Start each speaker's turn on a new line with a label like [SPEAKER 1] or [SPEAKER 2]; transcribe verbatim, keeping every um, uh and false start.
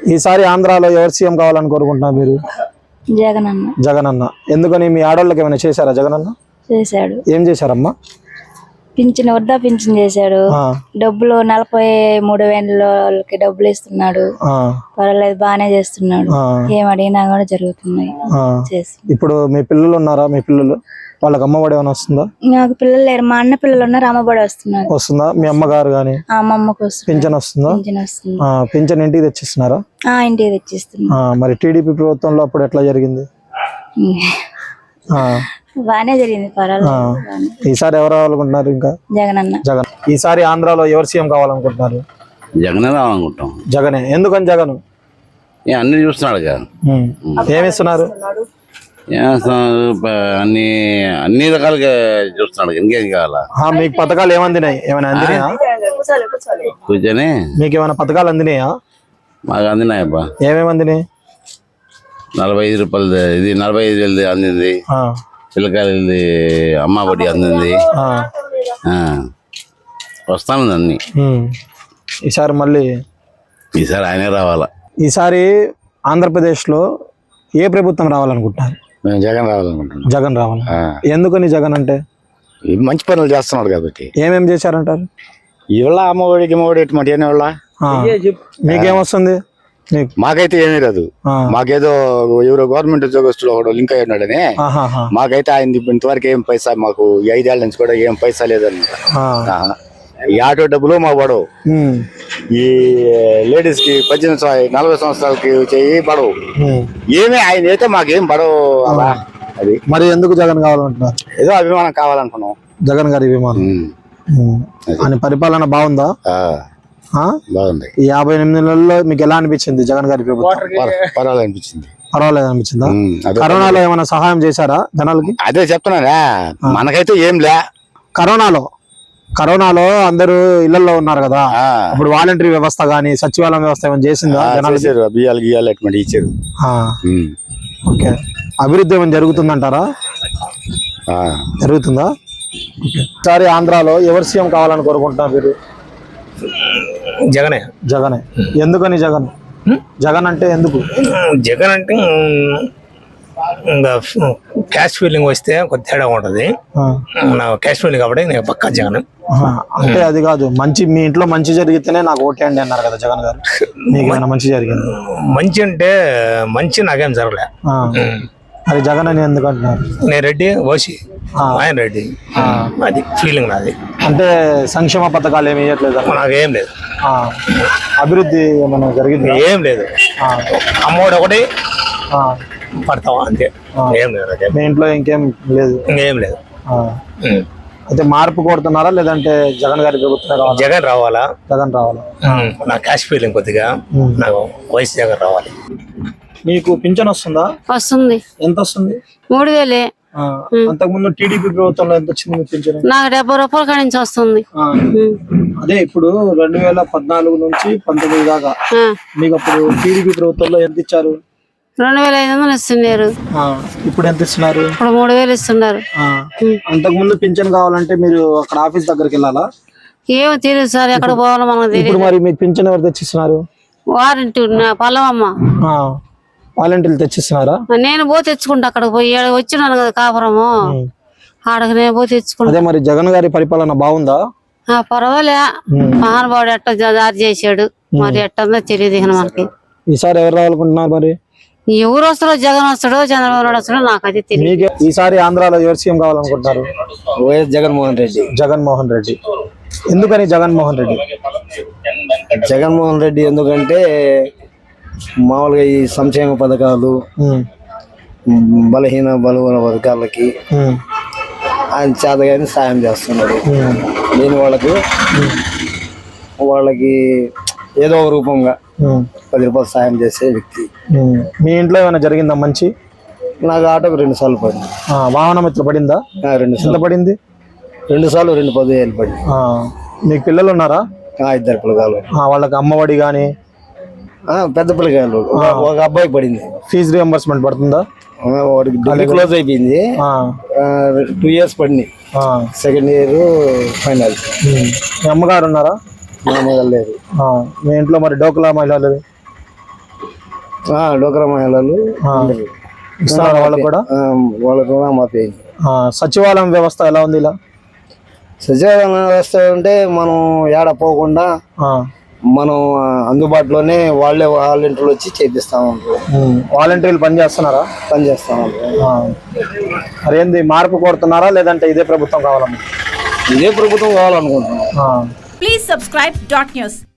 [SPEAKER 1] ఈసారి ఆంధ్రాలో ఎవరు సీఎం కావాలని కోరుకుంటున్నారు మీరు?
[SPEAKER 2] జగనన్న.
[SPEAKER 1] జగనన్న. ఎందుకని మీ ఆడోళ్ళకి ఏమైనా చేశారా జగనన్న?
[SPEAKER 2] చేశాడు.
[SPEAKER 1] ఏం చేశారమ్మా?
[SPEAKER 2] పింఛన్ వద్దా పింఛన్ చేశాడు. డబ్బులు నలభై మూడు వేలకి డబ్బులు ఇస్తున్నాడు. పర్వాలేదు బాగానే చేస్తున్నాడు. ఏం అడిగినా కూడా జరుగుతున్నాయి.
[SPEAKER 1] ఇప్పుడు మీ పిల్లలు ఉన్నారా? మీ పిల్లలు వాళ్ళకి అమ్మఒడి ఏమైనా వస్తుందా?
[SPEAKER 2] నాకు పిల్లలు లేరు. మా అన్న పిల్లలు ఉన్నారు. అమ్మఒడి వస్తున్నారు.
[SPEAKER 1] వస్తుందా? మీ అమ్మగారు గాని
[SPEAKER 2] మా అమ్మకు
[SPEAKER 1] పింఛన్ వస్తుందా? పింఛన్ ఇంటికి తెచ్చిస్తున్నారా?
[SPEAKER 2] ఇంటికి తెచ్చిస్తున్నా.
[SPEAKER 1] మరి టీడీపీ ప్రభుత్వంలో అప్పుడు ఎట్లా జరిగింది?
[SPEAKER 2] బానే జరిగింది. పర్వాలేదు.
[SPEAKER 1] ఈసారి ఎవరు రావాలనుకుంటున్నారు? ఇంకా
[SPEAKER 2] జగనన్న.
[SPEAKER 1] జగన్. ఈసారి ఆంధ్రాలో ఎవరు సీఎం కావాలనుకుంటున్నారు?
[SPEAKER 3] జగనే రావాలనుకుంటాం.
[SPEAKER 1] జగనే. ఎందుకని జగన్?
[SPEAKER 3] అన్ని చూస్తున్నాడు కదా.
[SPEAKER 1] ఏమిస్తున్నారు?
[SPEAKER 3] అన్ని అన్ని రకాలుగా చూస్తున్నాడు. ఇంకేం కావాలా?
[SPEAKER 1] మీకు పథకాలు ఏమందినాయి? ఏమైనా అందినాయా?
[SPEAKER 3] కూర్చొని
[SPEAKER 1] మీకు ఏమైనా పథకాలు అందినాయా?
[SPEAKER 3] మాకు అందినాయబ్బా.
[SPEAKER 1] ఏమేమి అందినాయి?
[SPEAKER 3] నలభై ఐదు రూపాయలు ఇది నలభై ఐదు వేలది అందింది. పిల్లకాయలది అమ్మ ఒడి అందింది. వస్తాను అన్ని.
[SPEAKER 1] ఈసారి మళ్ళీ
[SPEAKER 3] ఈసారి ఆయనే రావాలా.
[SPEAKER 1] ఈసారి ఆంధ్రప్రదేశ్ లో ఏ ప్రభుత్వం రావాలనుకుంటున్నారు?
[SPEAKER 4] మేము జగన్ రావాలనుకుంటున్నాం.
[SPEAKER 1] జగన్ రావాలి. ఎందుకని జగన్ అంటే?
[SPEAKER 4] మంచి పనులు చేస్తున్నాడు కాబట్టి.
[SPEAKER 1] ఏమేమి చేశారంటారు?
[SPEAKER 4] ఇవాళ అమ్మ ఒడికి అమ్మ ఒడి ఎటువంటి వాళ్ళ
[SPEAKER 1] మీకేమొస్తుంది?
[SPEAKER 4] మాకైతే ఏమీ రాదు. మాకేదో ఎవరో గవర్నమెంట్ ఉద్యోగస్తులు ఒకడు లింక్ అయ్యి ఉన్నాడని మాకైతే ఆయన ఇంతవరకు ఏం పైసా మాకు ఐదేళ్ల నుంచి కూడా ఏం పైసా లేదన్నమాట. ఈ ఆటో డబ్బులు మా పడవు. ఈ లేడీస్ కి పద్దెనిమిది నలభై సంవత్సరాలకి చెయ్యి పడవు. ఏమీ ఆయన అయితే మాకేం పడవు. అలా అది
[SPEAKER 1] మరి ఎందుకు జగన్ కావాలంటున్నారు?
[SPEAKER 4] ఏదో అభిమానం కావాలనుకున్నాం.
[SPEAKER 1] జగన్ గారి అభిమానం. ఆయన పరిపాలన బాగుందా?
[SPEAKER 4] బాగుంది.
[SPEAKER 1] ఈ యాభై ఎనిమిది నెలల్లో మీకు ఎలా అనిపించింది జగన్ గారి ప్రభుత్వం?
[SPEAKER 4] పర్వాలేదు అనిపించింది.
[SPEAKER 1] పర్వాలేదు అనిపించిందా? కరోనాలో ఏమైనా సహాయం చేశారా జనాలకి?
[SPEAKER 4] అదే చెప్తున్నారా, మనకైతే ఏం లే.
[SPEAKER 1] కరోనాలో కరోనాలో అందరూ ఇళ్లలో ఉన్నారు కదా, ఇప్పుడు వాలంటరీ వ్యవస్థ గానీ సచివాలయం వ్యవస్థ ఏమైనా చేసిందా? జనాలు
[SPEAKER 4] బియ్యాలు గియ్యాలు అటువంటి ఇచ్చారు.
[SPEAKER 1] ఓకే. అభివృద్ధి ఏమైనా జరుగుతుందంటారా? జరుగుతుందా? ఈసారి ఆంధ్రాలో ఎవరు సీఎం కావాలని కోరుకుంటున్నారు మీరు?
[SPEAKER 5] జగనే.
[SPEAKER 1] జగనే. ఎందుకని జగన్? జగన్ అంటే ఎందుకు?
[SPEAKER 5] జగన్ అంటే క్యాష్ ఫీలింగ్ వస్తే కొద్ది తేడా ఉంటది. క్యాష్ ఫీలింగ్ కాబట్టి నేను పక్కా జగన్.
[SPEAKER 1] అంటే అది కాదు, మంచి మీ ఇంట్లో మంచి జరిగితేనే నాకు ఓటేయండి అన్నారు కదా జగన్ గారు. మీకు ఏమైనా మంచి జరిగింది?
[SPEAKER 5] మంచి అంటే మంచి నాకేం జరగలే.
[SPEAKER 1] అది జగన్ అని ఎందుకు అంటున్నారు?
[SPEAKER 5] నేను రెడ్డి ఓసి, ఆయన రెడ్డి, అది ఫీలింగ్ నాది.
[SPEAKER 1] అంటే సంక్షేమ పథకాలు ఏమి ఇవ్వట్లేదు?
[SPEAKER 5] నాకేం లేదు.
[SPEAKER 1] అభివృద్ధి ఏమైనా జరిగింది?
[SPEAKER 5] ఏం లేదు. అమ్మఒడి ఒకటి పడతావా అంతే, ఏం లేదు.
[SPEAKER 1] మీ ఇంట్లో ఇంకేం లేదు?
[SPEAKER 5] ఇంకేం లేదు.
[SPEAKER 1] అయితే మార్పు కోరుతున్నారా లేదంటే జగన్ గారి ప్రభుత్వం?
[SPEAKER 5] జగన్ రావాలా.
[SPEAKER 1] జగన్ రావాలా.
[SPEAKER 5] నా క్యాష్ ఫీలింగ్ కొద్దిగా నాకు వయసు జగన్ రావాలి.
[SPEAKER 1] మీకు పింఛన్ వస్తుందా?
[SPEAKER 6] వస్తుంది.
[SPEAKER 1] ఎంత వస్తుంది?
[SPEAKER 6] మూడు వేలే.
[SPEAKER 1] అంతకు ముందు టీడీపీ ప్రభుత్వంలో ఎంత వచ్చింది పింఛన్?
[SPEAKER 6] నాకు డెబ్బై రూపాయల కాడి నుంచి వస్తుంది.
[SPEAKER 1] అదే ఇప్పుడు రెండు వేల పద్నాలుగు నుంచి పంతొమ్మిది దాకా మీకు అప్పుడు టీడీపీ ప్రభుత్వంలో ఎంత ఇచ్చారు?
[SPEAKER 6] రెండు వేల ఐదు వందలు ఇస్తున్నారు.
[SPEAKER 1] ఇప్పుడు ఎంత ఇస్తున్నారు?
[SPEAKER 6] ఇప్పుడు మూడు వేలు ఇస్తున్నారు.
[SPEAKER 1] అంతకు ముందు పింఛన్ కావాలంటే మీరు అక్కడ ఆఫీస్ దగ్గరికి వెళ్ళాలా?
[SPEAKER 6] ఏమో తెలియదు సార్, ఎక్కడ పోవాలో మనకు తెలియదు.
[SPEAKER 1] మరి మీకు పింఛన్ ఎవరు తెచ్చిస్తున్నారు?
[SPEAKER 6] వారంటీ పల్లవమ్మ
[SPEAKER 1] వాలంటీర్లు తెచ్చిస్తున్నారా?
[SPEAKER 6] నేను పో తెచ్చుకుంటా. అక్కడికి పోయి వచ్చినాను కదా కాపురము, ఆడకు నేను పో తెచ్చుకుంటా.
[SPEAKER 1] అదే మరి జగన్ గారి పరిపాలన బాగుందా?
[SPEAKER 6] పర్వాలే. మహానుభావుడు ఎట్ట దారి చేశాడు, మరి ఎట్టందో తెలియదు ఇక మనకి.
[SPEAKER 1] ఈసారి ఎవరు రావాలనుకుంటున్నారు మరి?
[SPEAKER 6] ఎవరు వస్తారో, జగన్ వస్తాడో చంద్రబాబు నాయుడు వస్తాడో నాకైతే తెలియదు.
[SPEAKER 1] ఈసారి ఆంధ్రాలో ఎవరు సీఎం కావాలనుకుంటున్నారు?
[SPEAKER 4] వైఎస్ జగన్మోహన్ రెడ్డి.
[SPEAKER 1] జగన్మోహన్ రెడ్డి. ఎందుకని జగన్మోహన్ రెడ్డి?
[SPEAKER 4] జగన్మోహన్ రెడ్డి ఎందుకంటే మామూలుగా ఈ సంక్షేమ పథకాలు బలహీన బలహీన వర్గాలకి ఆయన చేతగాని సాయం చేస్తున్నాడు. నేను వాళ్ళకి వాళ్ళకి ఏదో ఒక రూపంగా పది రూపాయలు సాయం చేసే వ్యక్తి.
[SPEAKER 1] మీ ఇంట్లో ఏమైనా జరిగిందా మంచి?
[SPEAKER 4] నాకు ఆటోకి రెండు సార్లు పడింది.
[SPEAKER 1] వాహన మిత్ర పడిందా?
[SPEAKER 4] రెండు సార్లు
[SPEAKER 1] పడింది.
[SPEAKER 4] రెండు సార్లు రెండు పదివేలు పడింది.
[SPEAKER 1] మీకు పిల్లలు ఉన్నారా?
[SPEAKER 4] ఇద్దరు పిల్లగాలు.
[SPEAKER 1] వాళ్ళకి అమ్మఒడి గాని
[SPEAKER 4] పెద్ద పిల్లగాయలు ఒక అబ్బాయికి పడింది.
[SPEAKER 1] ఫీజు రియంబర్స్మెంట్ పడుతుందా?
[SPEAKER 4] వాడికి డిగ్రీ క్లోజ్ అయిపోయింది, టూ ఇయర్స్ పడింది. Second year final.
[SPEAKER 1] మీ అమ్మగారు ఉన్నారా?
[SPEAKER 4] మా అమ్మగారు లేరు.
[SPEAKER 1] మీ ఇంట్లో మరి డోక్లా మహిళలు
[SPEAKER 7] డోక్రా మహిళలు
[SPEAKER 1] ఆ. ఇస్తున్నారా వాళ్ళకు కూడా?
[SPEAKER 7] ఆ, వాళ్ళ రుణమాఫీ అయింది.
[SPEAKER 1] ఆ, సచివాలయం వ్యవస్థ ఎలా ఉంది ఇలా?
[SPEAKER 7] సచివాలయం వ్యవస్థ అంటే మనం ఏడ పోకుండా
[SPEAKER 1] ఆ,
[SPEAKER 7] మనం అందుబాటులోనే వాళ్ళే వాలంటీర్లు వచ్చి చేపిస్తా ఉంటారు,
[SPEAKER 1] ఉమ్. వాలంటీర్లు పని చేస్తున్నారా?
[SPEAKER 7] పని చేస్తా ఉంటారు.
[SPEAKER 1] ఆ. మరేంది మార్పు కోరుతున్నారా లేదంటే ఇదే ప్రభుత్వం కావాలన్నా?
[SPEAKER 7] ఇదే ప్రభుత్వం కావాలనుకుంటున్నాం.
[SPEAKER 1] ఆ.
[SPEAKER 8] Please subscribe dot news.